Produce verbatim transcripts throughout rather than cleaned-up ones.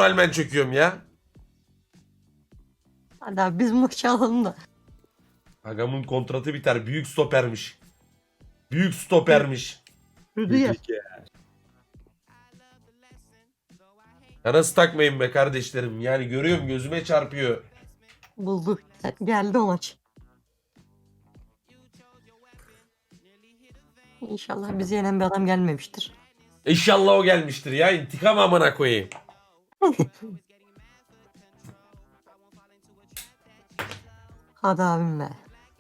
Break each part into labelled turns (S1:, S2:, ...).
S1: İsmail ben çöküyorum ya.
S2: Hadi abi biz maçı alalım da.
S1: Agamın kontratı biter. Büyük stopermiş. Büyük stopermiş.
S2: Rüdiger.
S1: Ya nasıl takmayın be kardeşlerim. Yani görüyorum gözüme çarpıyor.
S2: Bulduk. Geldi o maç. İnşallah bizi yenen bir adam gelmemiştir.
S1: İnşallah o gelmiştir ya. İntikam amına koyayım.
S2: Hadi abim be.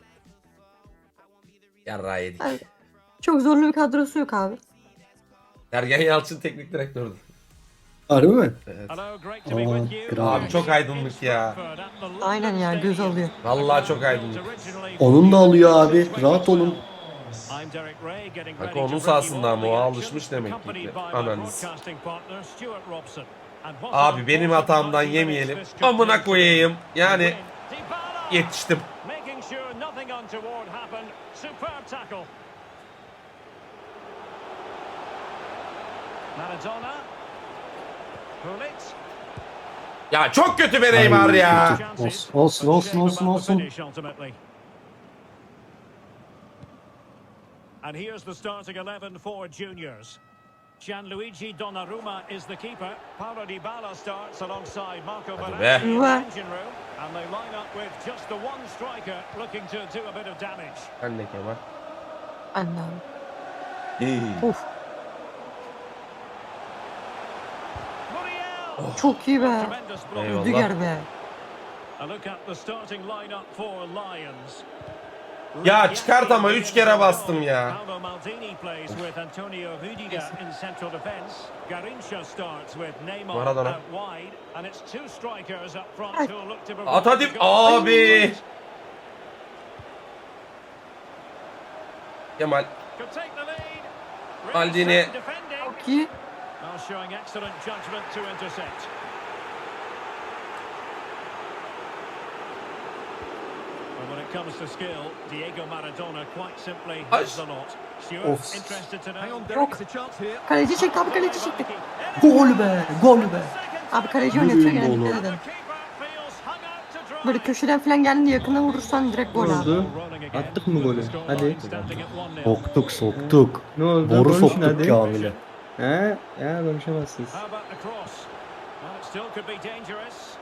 S1: Yarrağı yedik.
S2: Abi, çok zorlu bir kadrosu yok abi.
S1: Sergen Yalçın teknik direktördü.
S3: Harbi mi?
S1: Evet.
S3: Aa, kral.
S1: Abi çok aydınlık ya.
S2: Aynen ya göz alıyor.
S1: Vallahi çok aydınlık.
S3: Onun da alıyor abi. Rahat olun.
S1: Bak onun sahasında ama o alışmış demek ki. Analiz. Abi benim hatamdan yemeyelim. Amına koyayım. Yani yetiştim. Ya çok kötü bir Neymar ya.
S3: Olsun olsun olsun olsun olsun.
S4: And here's the starting eleven for juniors. Gianluigi Donnarumma is the keeper. Paulo Dybala starts alongside Marco
S1: Hadi
S4: Verratti
S1: be.
S4: in the engine room. And they line up with just the one striker looking to do a bit of damage.
S1: Ben de Kemal.
S2: Anne abi.
S3: İyi.
S2: Of
S4: Muriel!
S2: çok iyi be.
S4: Tremendous block.
S1: Eyvallah.
S2: Rüdiger be.
S4: A look at the starting lineup for Lions.
S1: Ya çıkart ama üç kere bastım ya.
S4: Paolo Maldini plays with Antonio Rudiger in central defense. Garrincha starts with Neymar
S1: Maradona.
S4: out wide, and it's two strikers up front who look to provide
S1: At hadi
S4: the goal.
S1: abi. Kemal.
S4: Could take the lead.
S1: Maldini.
S4: Really sound defending.
S2: Çok iyi.
S4: Now showing excellent judgment to intercept. And when it comes to skill, Diego Maradona quite simply has the lot. Stuart,
S3: Of.
S4: interested to know.
S2: Yok. Kaleci çekti abi kaleci çekti.
S3: Gol be. Gol be.
S2: Abi kaleci oynatıyor
S3: Yürüyün
S2: gene
S3: oğlum.
S2: dikkat edin.
S4: The keeper feels hung out to dry.
S2: Böyle köşeden falan geldiğinde yakına vurursan direkt gol abi.
S3: Oldu. Attık mı golü? Hadi. Soktuk soktuk. Ne oldu?
S5: Boru
S3: Konuşun
S5: soktuk
S3: hadi.
S5: Kamil'e.
S3: He? Ya konuşamazsınız.
S4: How about the cross? Well, it still could be dangerous.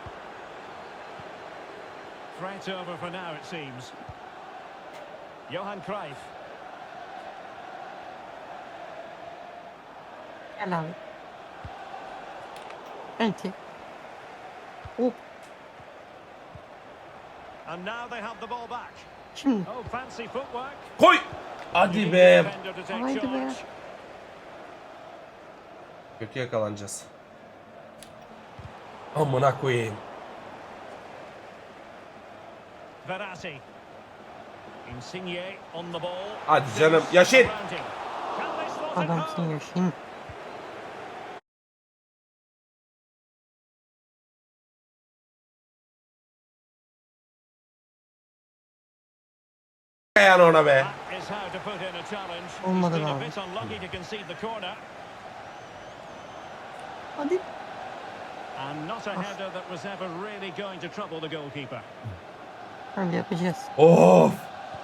S4: Threat over for now, it seems. Johan Cruyff.
S2: Gel abi. Enti. Hop.
S4: And now they have the ball back.
S2: Şimdi.
S4: Oh, fancy footwork.
S1: Koy. Hadi be.
S4: Defender to take
S2: Haydi be.
S4: charge.
S1: Kötü yakalanacağız. Amına koyayım.
S4: Verratti. Insigne on the ball.
S1: Hadi canım. Yaşin.
S4: Can they slot it
S2: Adamsın
S4: home?
S2: yaşayın.
S1: Yani ona be.
S4: That is how to put in a challenge. He's
S2: Olmadı
S4: been a
S2: abi.
S4: bit unlucky to concede the corner.
S2: Hadi.
S4: And not a header that was ever really going to trouble the goalkeeper.
S2: Öyle yapacağız.
S1: Of.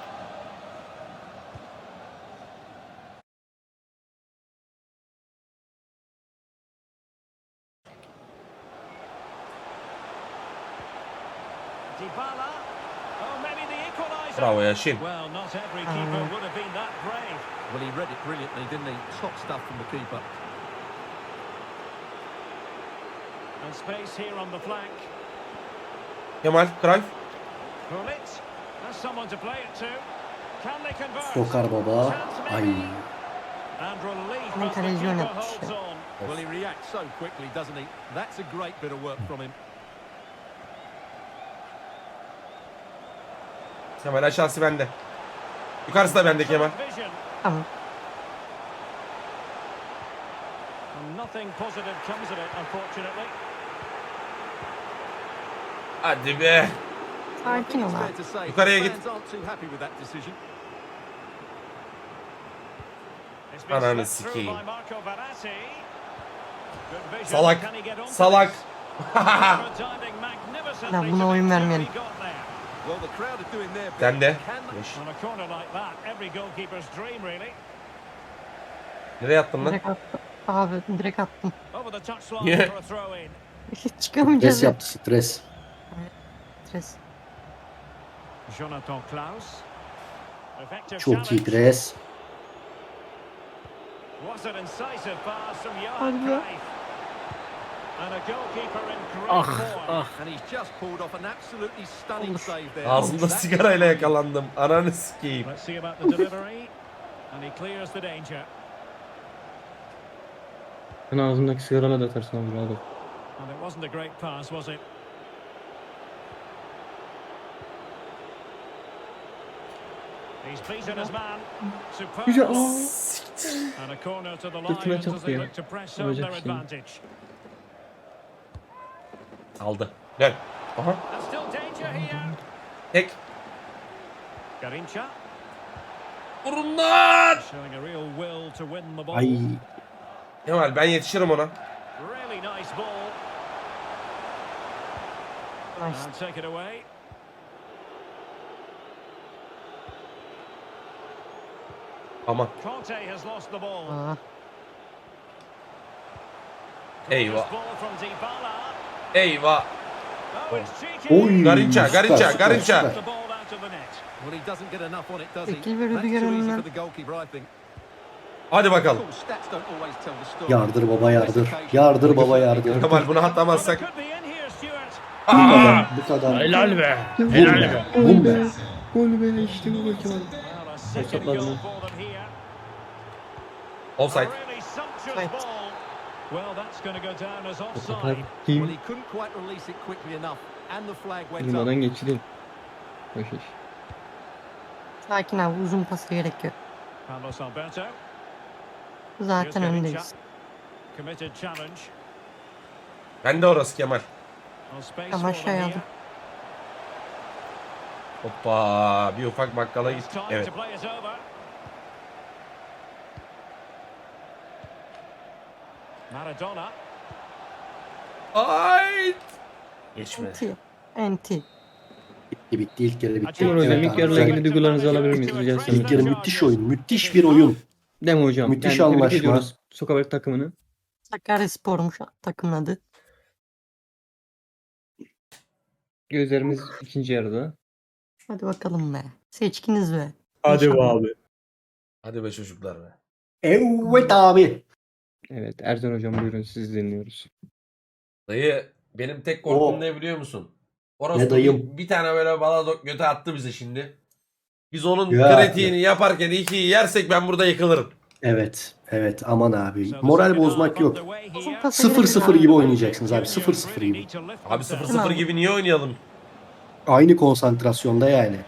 S4: Dybala. Oh, maybe the equaliser.
S1: Bravo Yaşin.
S4: Well, not every keeper would have been that brave.
S5: Well, he read it brilliantly, didn't he? Top stuff from the keeper.
S4: And space here on the flank.
S1: Kemal. Cruyff.
S4: Gullit has someone to play it to. Can they convert?
S3: Sokar baba. Ay.
S4: And relief
S2: Hemen
S4: as the
S2: kaleci
S4: keeper
S2: oynatmış
S4: holds
S2: ya.
S4: on.
S5: Well, he reacts so quickly, doesn't he? That's a great bit of work from him.
S1: Kemal aşağısı bende. Yukarısı da bende Kemal.
S4: Vision.
S2: Tamam.
S4: And nothing positive comes of it, unfortunately.
S1: Hadi be.
S2: Sakin ol
S5: It's fair
S2: abi.
S5: to say
S1: Yukarıya git.
S5: fans aren't too happy with that decision.
S4: It's been
S1: Ananı
S4: slipped through
S1: sikeyim.
S4: by Marco Verratti. Good vision.
S1: Salak.
S4: Can he get onto
S1: Salak.
S4: this?
S2: Ya buna oyun vermeyelim.
S5: Well, the crowd are doing their bit.
S1: Sen de.
S5: Can they-
S1: Beş.
S4: On a corner like that, every goalkeeper's dream really.
S1: Nereye attın lan?
S2: Direkt attım. Abi direkt attım.
S4: Over the touchline
S1: Yeah.
S4: for a throw in.
S2: Çıkamayacağız.
S3: Stres yaptı stres.
S2: Stres.
S4: Jonathan Klaus. Effective
S3: Çok iyi
S4: challenge.
S3: pres.
S4: Was an incisive pass from Johan
S2: Hadi be.
S4: Cruyff. And a goalkeeper in great
S5: Ah,
S4: form.
S5: ah. And he's just pulled off an absolutely stunning
S2: Olur.
S5: save there.
S1: Ağzımda
S5: That-
S1: sigarayla yakalandım. Ananı sikeyim.
S4: Let's see about the delivery. And he clears the danger.
S3: Ben ağzımdaki sigarayla da atarsın abi rahat ol.
S4: And it wasn't a great pass, was it? He's beaten his man. Superb.
S3: Güzel.
S4: And a corner to the
S3: Götüme
S4: Lions as
S3: çarptı
S4: they
S3: ya.
S4: look to press home
S3: Olacak
S4: their
S3: şey.
S4: advantage.
S1: Aldı. Gel. Aha.
S4: And still danger here.
S1: Tek.
S4: Garincha
S1: Vurun lan.
S4: showing a real will to win the ball.
S3: Ay.
S1: Kemal ben yetişirim ona.
S4: Really nice ball.
S2: Nice.
S4: And take it away.
S1: Aman.
S4: Conte has lost the ball.
S2: Aa,
S1: Eyvah.
S4: This ball from Dybala.
S1: Eyvah.
S4: Oh, it's cheeky.
S3: Oy.
S1: Garinca,
S3: süper,
S1: Garinca,
S3: süper,
S1: Garinca.
S3: süper.
S4: The ball out of the net.
S5: Well, he doesn't get enough on it, does he?
S2: Peki, böyle
S5: That's
S2: bir
S5: too easy
S2: görünümler.
S5: for the goalkeeper, I think.
S1: Hadi
S5: Of
S1: bakalım.
S5: course, stats don't always tell the story.
S3: Yardır baba yardır. Yardır baba yardır.
S1: Kemal bunu atamazsak.
S4: Could be in here, Stuart.
S3: Bu kadar. Bu kadar.
S1: Helal be.
S3: Bum
S1: Helal
S3: be.
S1: be.
S3: Bum be. Gol be işte bu gol Kemal.
S4: Well, a second
S3: Hesapladı.
S4: goal for them here. A
S1: Offside.
S4: really sumptuous
S2: Right.
S4: ball. Well, that's going to go down as
S3: O
S4: offside.
S3: kadar
S5: Well,
S3: kim
S5: he couldn't quite release it quickly enough, and the flag went up.
S3: durmadan geçti. Boş iş.
S2: sakin abi, uzun pası gerek yok.
S4: Carlos Alberto.
S2: Zaten öndeyiz.
S4: Committed challenge.
S1: Ben de orası Kemal.
S4: Well, space
S2: Ama
S4: for
S2: şey
S4: them
S2: aldım.
S4: here.
S1: Hoppa. Bir ufak bakkala
S4: It's
S1: gittik.
S4: time
S1: Evet.
S4: to play it over. Maradona.
S1: Ay. Geçme.
S2: Enti. Enti.
S3: Bitti bitti ilk yarı bitti.
S4: Kemal hocam,
S3: Evet,
S4: ilk
S3: abi,
S4: yarıyla
S3: güzel.
S4: ilgili duygularınızı alabilir miyiz rica etsem?
S3: İlk yarı müthiş oyun. Müthiş bir oyun.
S6: Değil mi hocam?
S3: Müthiş
S6: tebrik
S3: anlaşma.
S6: ediyoruz Sokabek takımını.
S2: Sakaryaspor'muş takımın adı.
S6: Gözlerimiz ikinci yarıda.
S2: Hadi bakalım be. Seçkiniz be.
S6: Hadi be
S2: İnşallah.
S6: abi.
S1: Hadi be çocuklar be.
S3: Evet abi.
S6: Evet Ercan hocam buyurun siz dinliyoruz.
S1: Dayı benim tek korkum
S3: Oo.
S1: ne biliyor musun? Orası
S3: Ne dayım?
S1: Bir, bir tane böyle balado göte attı bize şimdi. Biz onun
S3: Ya.
S1: kritiğini yaparken ikiyi yersek ben burada yıkılırım.
S3: Evet. Evet aman abi.
S4: So the
S3: Moral
S4: second
S3: bozmak
S4: half
S3: yok.
S4: underway
S2: Uzun
S4: here.
S2: pası
S3: Sıfır
S2: gerek
S3: sıfır
S2: yok.
S3: gibi oynayacaksınız abi. Sıfır sıfır
S4: Really
S3: gibi.
S4: need to lift
S1: Abi sıfır
S4: themselves.
S1: sıfır
S2: Tamam.
S1: gibi niye oynayalım?
S3: Aynı konsantrasyonda yani.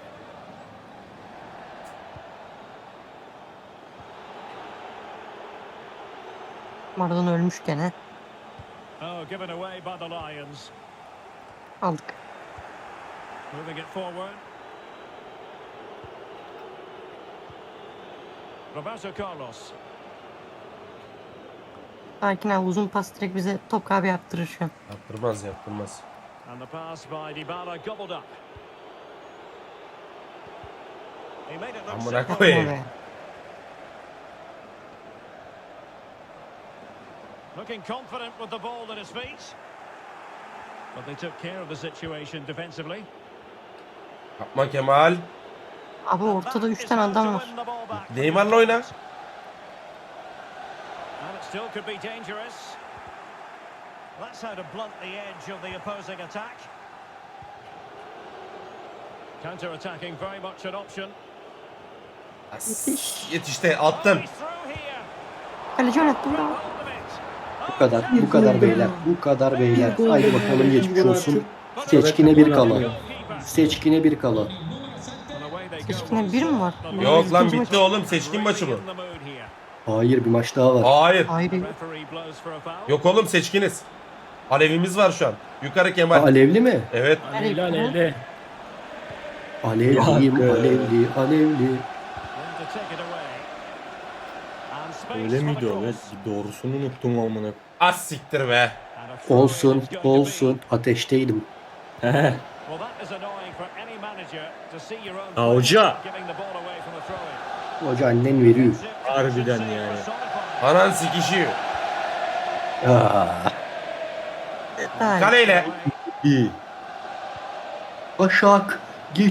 S2: Maradona ölmüş gene.
S4: Oh, given away by the Lions.
S2: Aldık.
S4: Moving it forward. Roberto Carlos.
S2: Sakin abi, uzun pas direkt bize top abi yaptırır şu an.
S1: Yaptırmaz yaptırmaz.
S4: And the pass by Dybala gobbled up. He made it look
S1: Amına
S4: simple.
S2: Yapma
S1: koyayım.
S2: be.
S4: Looking confident with the ball at his feet. But they took care of the situation defensively.
S1: Yapma Kemal.
S2: Abi ortada üç tane adam var.
S1: Neymar'la oyna.
S4: And it still could be dangerous. That's how to blunt the edge of the opposing attack. Counter-attacking very much an option.
S1: As- Yetişti attım.
S4: Oh, he's through here.
S2: Kaleci yönetti.
S4: Got
S2: Bravo.
S4: hold of it.
S3: Bu kadar. Bu kadar beyler. Bu kadar beyler. Haydi bakalım geçmiş olsun. Seçkine bir kala. Seçkine bir kala.
S2: Seçkine bir mi var?
S1: Yok lan
S2: İkinci
S1: bitti oğlum seçkin maçı bu.
S3: Hayır bir maç daha var.
S1: Hayır.
S2: Hayır.
S1: Yok oğlum seçkiniz. Alevimiz var şu an. Yukarı
S3: Ha,
S1: Kemal.
S3: alevli mi?
S1: Evet.
S2: Alevli, alevli.
S3: Alevliyim, alevli, alevli.
S6: Öyle miydi o? Evet, doğrusunu unuttum amına.
S1: Az siktir be.
S3: Olsun, olsun. Ateşteydim.
S7: He. Ha, hoca.
S3: Hoca annen veriyor.
S7: Harbiden yani.
S1: Anan sikişiyor.
S3: Aa,
S2: Hayır.
S1: Kaleyle.
S7: İyi.
S3: Taşak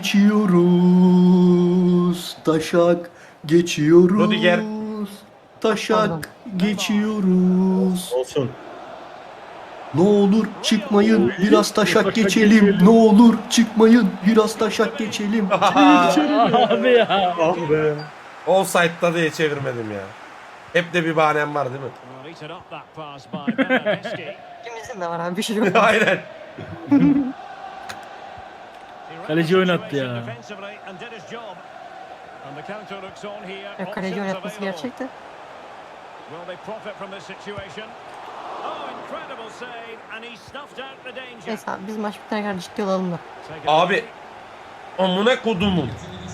S3: geçiyoruz. Taşak geçiyoruz.
S1: Rudiger.
S3: Taşak geçiyoruz.
S7: Olsun.
S3: Ne olur çıkmayın biraz taşak geçelim. Ne olur çıkmayın biraz taşak geçelim.
S7: Abi ya. Ah be.
S1: Offside'da diye çevirmedim ya. Hep de bir bahanem var değil mi?
S2: İkimizin de var abi bir şey yok.
S1: Aynen.
S7: Kaleci oynattı ya.
S2: Yok, kaleci oynatması gerçekti.
S4: Will they profit from this situation? Oh, incredible save, and he snuffed out the danger.
S2: Neyse abi biz maç bitene kadar ciddi olalım da.
S4: Take it
S1: Abi.
S4: away.
S1: Amına kodumun.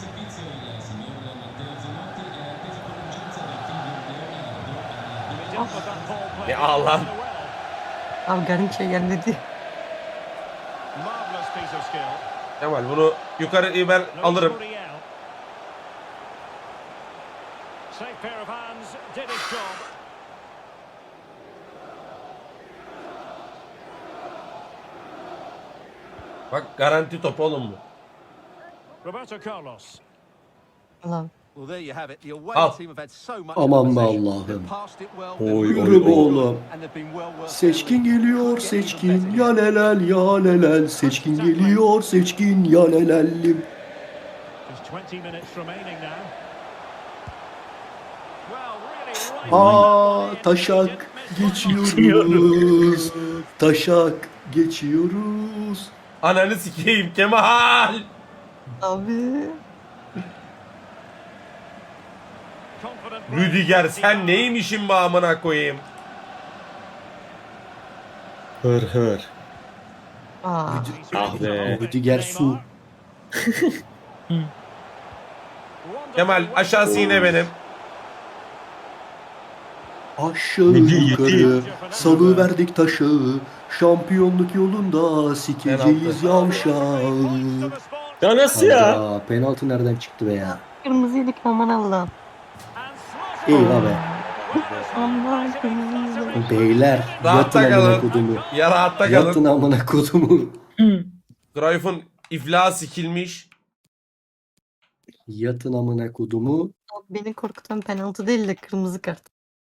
S4: He dealt with that ball play
S1: Ya Allah.
S4: well.
S2: Abi Garınç'a gelmedi.
S4: Marvellous piece of skill.
S1: Kemal bunu yukarı ben
S4: Luis
S1: alırım.
S4: Muriel. Safe pair of hands, did his job.
S1: Bak garanti top oğlum bu.
S4: Roberto Carlos.
S2: Allah'ım.
S5: Well, there you have it. The away
S1: Al.
S5: team have had so much
S3: Aman be
S5: possession.
S3: Allah'ım.
S5: They've passed it well.
S7: Oy,
S5: They've
S7: oy,
S3: Yürü be
S7: oy.
S3: oğlum.
S5: and they've been well worth
S3: Seçkin
S5: their
S3: geliyor
S5: Couldn't get any
S3: seçkin
S5: better.
S3: ya lelel ya lelel. Seçkin geliyor seçkin ya lelellim.
S4: Just twenty minutes remaining now. Well, really right
S3: Aa
S4: back
S3: taşak geçiyoruz. Taşak geçiyoruz.
S1: Ananı sikeyim Kemal.
S2: Abi.
S4: Confident
S1: Rüdiger sen neymişin be amına koyayım.
S7: Hır hır.
S2: Aa.
S7: Ah be.
S3: Rüdiger su.
S1: Kemal aşağısı yine benim.
S3: Aşağı
S7: Yedi,
S3: yukarı salı verdik taşı. Şampiyonluk yolunda sikeceğiz yavşağı.
S7: Ya nasıl ya?
S3: Hayda, penaltı nereden çıktı be ya?
S2: Kırmızı yedik aman Allah'ım.
S3: Eyvah be.
S2: Aman kırmızı yedik.
S3: Beyler yatın
S1: Rahatta
S3: amına
S1: kalın.
S3: kodumu.
S1: Ya rahatta
S3: Yatın
S1: kalın.
S3: amına kodumu.
S1: Cruyff'un iflahı sikilmiş.
S3: Yatın amına kodumu.
S2: Beni korkutan penaltı değil de kırmızı kart.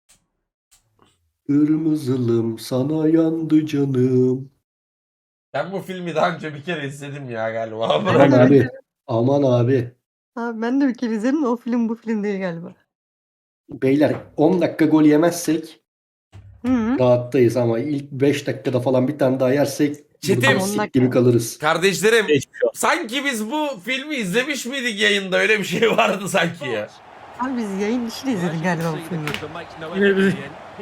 S3: Kırmızılım sana yandı canım.
S1: Ben bu filmi daha önce bir kere izledim ya galiba.
S3: Aman
S2: Evet,
S3: abi.
S2: evet.
S3: Aman abi.
S2: Abi ben de bir kere izledim de o film bu film değil galiba.
S3: Beyler on dakika gol yemezsek
S2: Hı hı.
S3: rahattayız ama ilk beş dakikada falan bir tane daha yersek
S1: Çetin.
S3: burada
S2: On
S3: sik
S2: dakika.
S3: gibi kalırız.
S1: Kardeşlerim
S7: Geçmiş olsun.
S1: sanki biz bu filmi izlemiş miydik yayında? Öyle bir şey vardı sanki ya.
S2: Abi biz yayın dışı da izledik galiba bu filmi.
S7: Yine bir-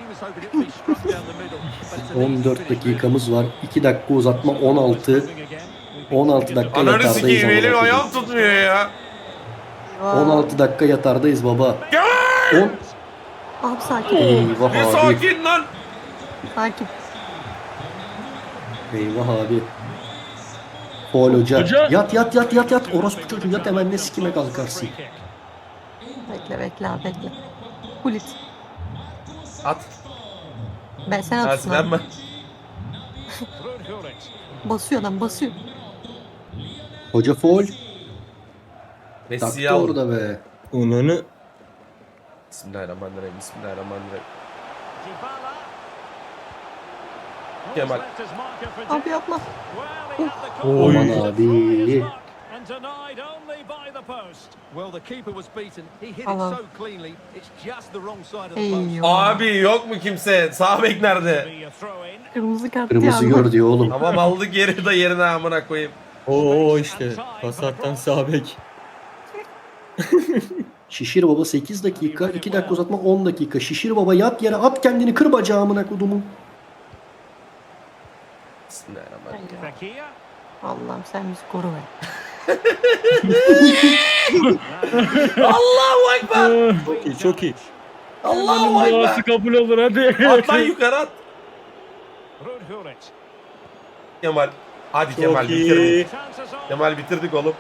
S3: on dört dakikamız var. iki dakika uzatma on altı. on altı dakika
S1: Ananı
S3: yatardayız.
S1: sikeyim
S3: amına
S1: elim
S3: koyayım.
S1: ayağım tutmuyor ya.
S2: Eyvah.
S3: on altı dakika yatardayız baba. on
S2: Abi sakin.
S3: Eyvah
S1: Bir
S3: abi.
S1: sakin lan.
S2: Sakin.
S3: Eyvah abi. Foul hoca.
S7: Hoca.
S3: Yat yat yat yat yat. Orospu çocuğu yat hemen ne sikime kalkarsın.
S2: Bekle bekle abi bekle. Kulit.
S1: At.
S2: Ben sen atsın
S1: Aslen
S2: abi.
S1: ben.
S2: Basıyor adam basıyor.
S3: Hoca foul.
S1: Messi'yi
S3: Taktı
S1: al.
S3: orada be.
S6: Onunu
S1: Bismillahirrahmanirrahim. Bismillahirrahmanirrahim. Kemal.
S2: Abi yapma.
S3: Aman abi.
S5: Well, the keeper was beaten. He hit it
S2: Allah.
S5: so cleanly. It's just the wrong side of the post.
S2: Eyvah.
S1: Abi yok mu kimse? Sağ bek nerede?
S2: Kırmızı kart
S3: Kırmızı
S2: ya.
S3: gör diyor oğlum.
S1: Tamam aldık geri de yerine amına koyayım.
S6: o işte pasattan sağ bek.
S3: Şişir baba sekiz dakika. iki dakika uzatma on dakika. Şişir baba yat yere at kendini kır bacağımına kodumu.
S1: Bismillahirrahmanirrahim.
S2: Allah'ım sen bizi koru be.
S1: Allahu Ekber.
S6: Çok iyi çok iyi.
S1: Allahu Ekber.
S7: Duası kabul olur hadi.
S1: At lan yukarı at.
S4: Gullit.
S1: Kemal. Hadi
S6: Çok
S1: Kemal
S6: iyi.
S1: bitirdik.
S4: Chances on.
S1: Kemal bitirdik oğlum.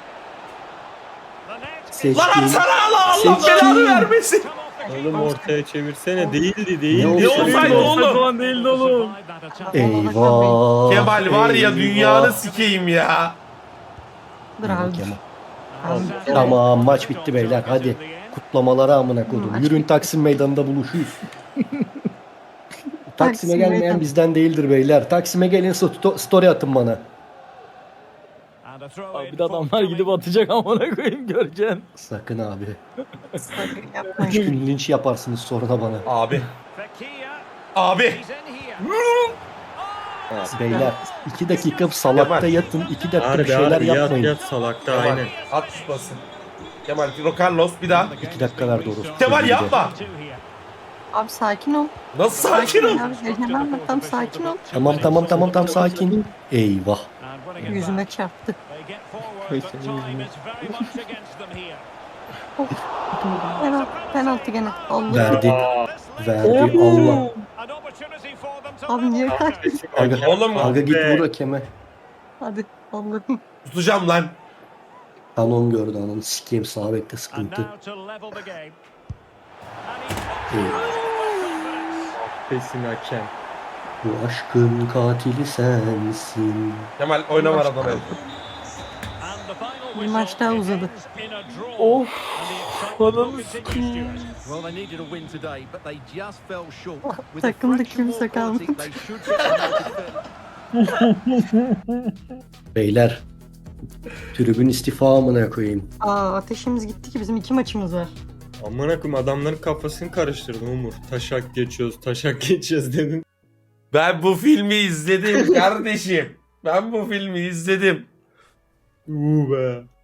S4: The net is
S3: Seçkin.
S1: Lan atsana Allah Allah
S3: Seçkin.
S1: belanı vermesin.
S4: come off the keeper.
S6: Oğlum ortaya çevirsene. Değildi değildi.
S3: Ne
S1: Ne
S3: oldu?
S1: olsaydı oğlum?
S7: Falan değildi oğlum.
S4: Survive that attack.
S3: Eyvah.
S1: Kemal var ya
S3: eyvah.
S1: dünyanı sikeyim ya.
S2: Dur abi.
S3: Kemal.
S2: Abi,
S3: Tamam, maç bitti beyler, hadi. Kutlamalara amına koydum.
S2: Maç
S3: Yürün Taksim Meydanı'nda buluşuyuz. Taksim'e
S2: Taksim
S3: gelmeyen
S2: Meydanı.
S3: bizden değildir beyler. Taksim'e gelin, sto- story atın bana.
S4: And a throw
S7: Abi
S4: in
S7: bir de adamlar
S4: forthcoming.
S7: gidip atacak amına koyayım göreceksin.
S3: Sakın abi.
S2: sakın
S3: Üç
S2: yapmayın.
S3: gün linç yaparsınız sonra da bana.
S1: Abi.
S4: Fekir.
S1: Abi.
S4: He's in here.
S3: Beyler iki dakika salakta yatın. iki dakika bir
S6: Harbi
S3: şeyler
S6: harbi yat
S3: yapmayın.
S6: yat salakta
S1: Kemal
S6: aynen.
S1: at tutmasın. Kemal Carlos bir daha.
S3: İki dakika ver doğrusu.
S1: Kemal yapma.
S4: Two here.
S2: Abi sakin ol.
S1: Nasıl sakin ol?
S2: Abi heyecanlanma, tam sakin ol.
S3: Tamam tamam tamam tam sakin. Eyvah.
S4: And winning it
S2: Yüzüme
S4: back.
S2: çarptı.
S4: They get forward, but time is very much against them here.
S2: Penaltı, penaltı gene. Allah.
S3: Verdi. Verdi Allah.
S4: An opportunity for them to
S2: Abi niye
S4: level
S2: kaçtın?
S3: Aga,
S1: Oğlum
S3: aga git
S6: be.
S3: vur hakeme.
S2: Hadi Allah'ım.
S1: tutacağım lan.
S3: Kanon gördü ananı sikeyim, sağ bekle
S4: And
S3: sıkıntı.
S4: now to level the game. And he's
S3: Eyvah.
S6: Pesin hakem.
S3: Bu aşkın katili sensin.
S1: Kemal oyna var adamı.
S4: And the final
S2: Bir maç daha uzadı.
S4: ends in a draw.
S7: Of.
S4: And the excitement
S7: Ananı
S4: will continue, Stuart.
S5: Well, they needed a win today, but they just fell short.
S2: Oh,
S5: With a
S2: takımda
S5: fraction more
S2: kimse
S5: quality,
S2: kalmadı.
S5: they should get promoted.
S3: Beyler. Tribün istifa amına koyayım.
S2: Aa ateşimiz gitti ki bizim iki maçımız var.
S6: Amına koyayım adamların kafasını karıştırdın Umur. Taşak geçiyoruz taşak geçiyoruz dedin.
S1: Ben bu filmi izledim kardeşim. Ben bu filmi izledim.
S6: Uuu be.